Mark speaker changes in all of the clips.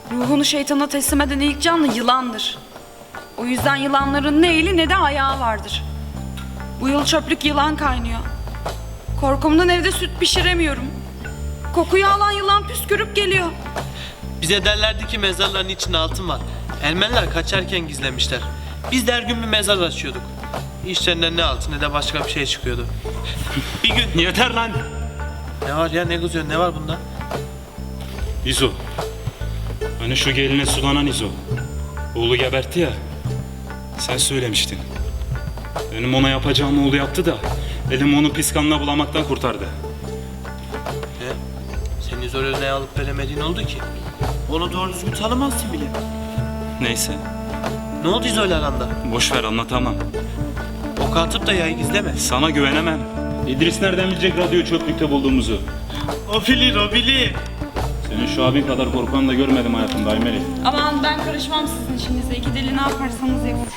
Speaker 1: Ruhunu şeytana teslim eden ilk canlı yılandır. O yüzden yılanların ne eli ne de ayağı vardır. Bu yıl çöplük yılan kaynıyor. Korkumdan evde süt pişiremiyorum. Kokuyu alan yılan püskürüp geliyor.
Speaker 2: Bize derlerdi ki mezarların içinde altın var. Ermeniler kaçarken gizlemişler. Biz de her gün bir mezar açıyorduk. İçlerinden ne altın ne de başka bir şey çıkıyordu. Bir gün...
Speaker 3: Yeter lan!
Speaker 2: Ne var ya, ne kızıyorsun, ne var bunda?
Speaker 3: İzo. Hani şu geline sulanan İzo. Oğlu gebertti ya. Sen söylemiştin. Benim ona yapacağım oğlu yaptı da elim onu pis kanla bulamaktan kurtardı.
Speaker 2: Ne? Senin zor örneği alıp veremediğin oldu ki. Onu doğru düzgün tanımazsın bile.
Speaker 3: Neyse.
Speaker 2: Ne oldu İzo'yla aranda?
Speaker 3: Boş ver, anlatamam.
Speaker 2: Ok atıp da yayı gizleme.
Speaker 3: Sana güvenemem. İdris nereden bilecek radyo çöplükte bulduğumuzu?
Speaker 2: O bilir.
Speaker 3: Senin şu abin kadar korkan da görmedim hayatımda Aymeri.
Speaker 1: Aman ben karışmam sizin işinize. İki deli ne yaparsanız yapın.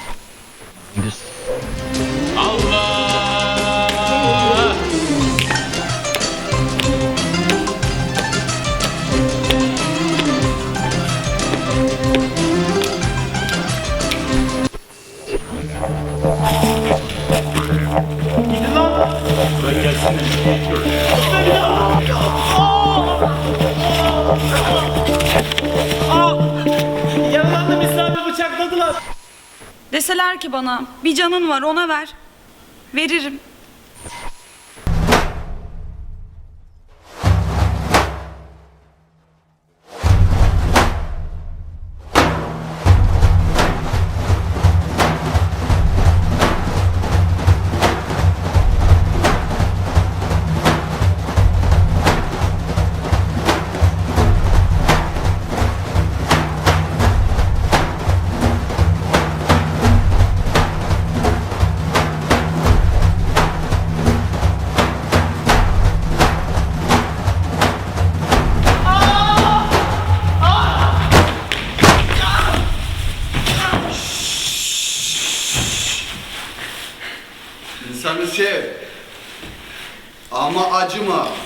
Speaker 2: Allah!
Speaker 3: Bırak gelsin.
Speaker 2: Yaralandım, İslam'ı bıçakladılar.
Speaker 1: Deseler ki bana bir canın var ona ver. Veririm.
Speaker 4: İnsanı sev ama acıma.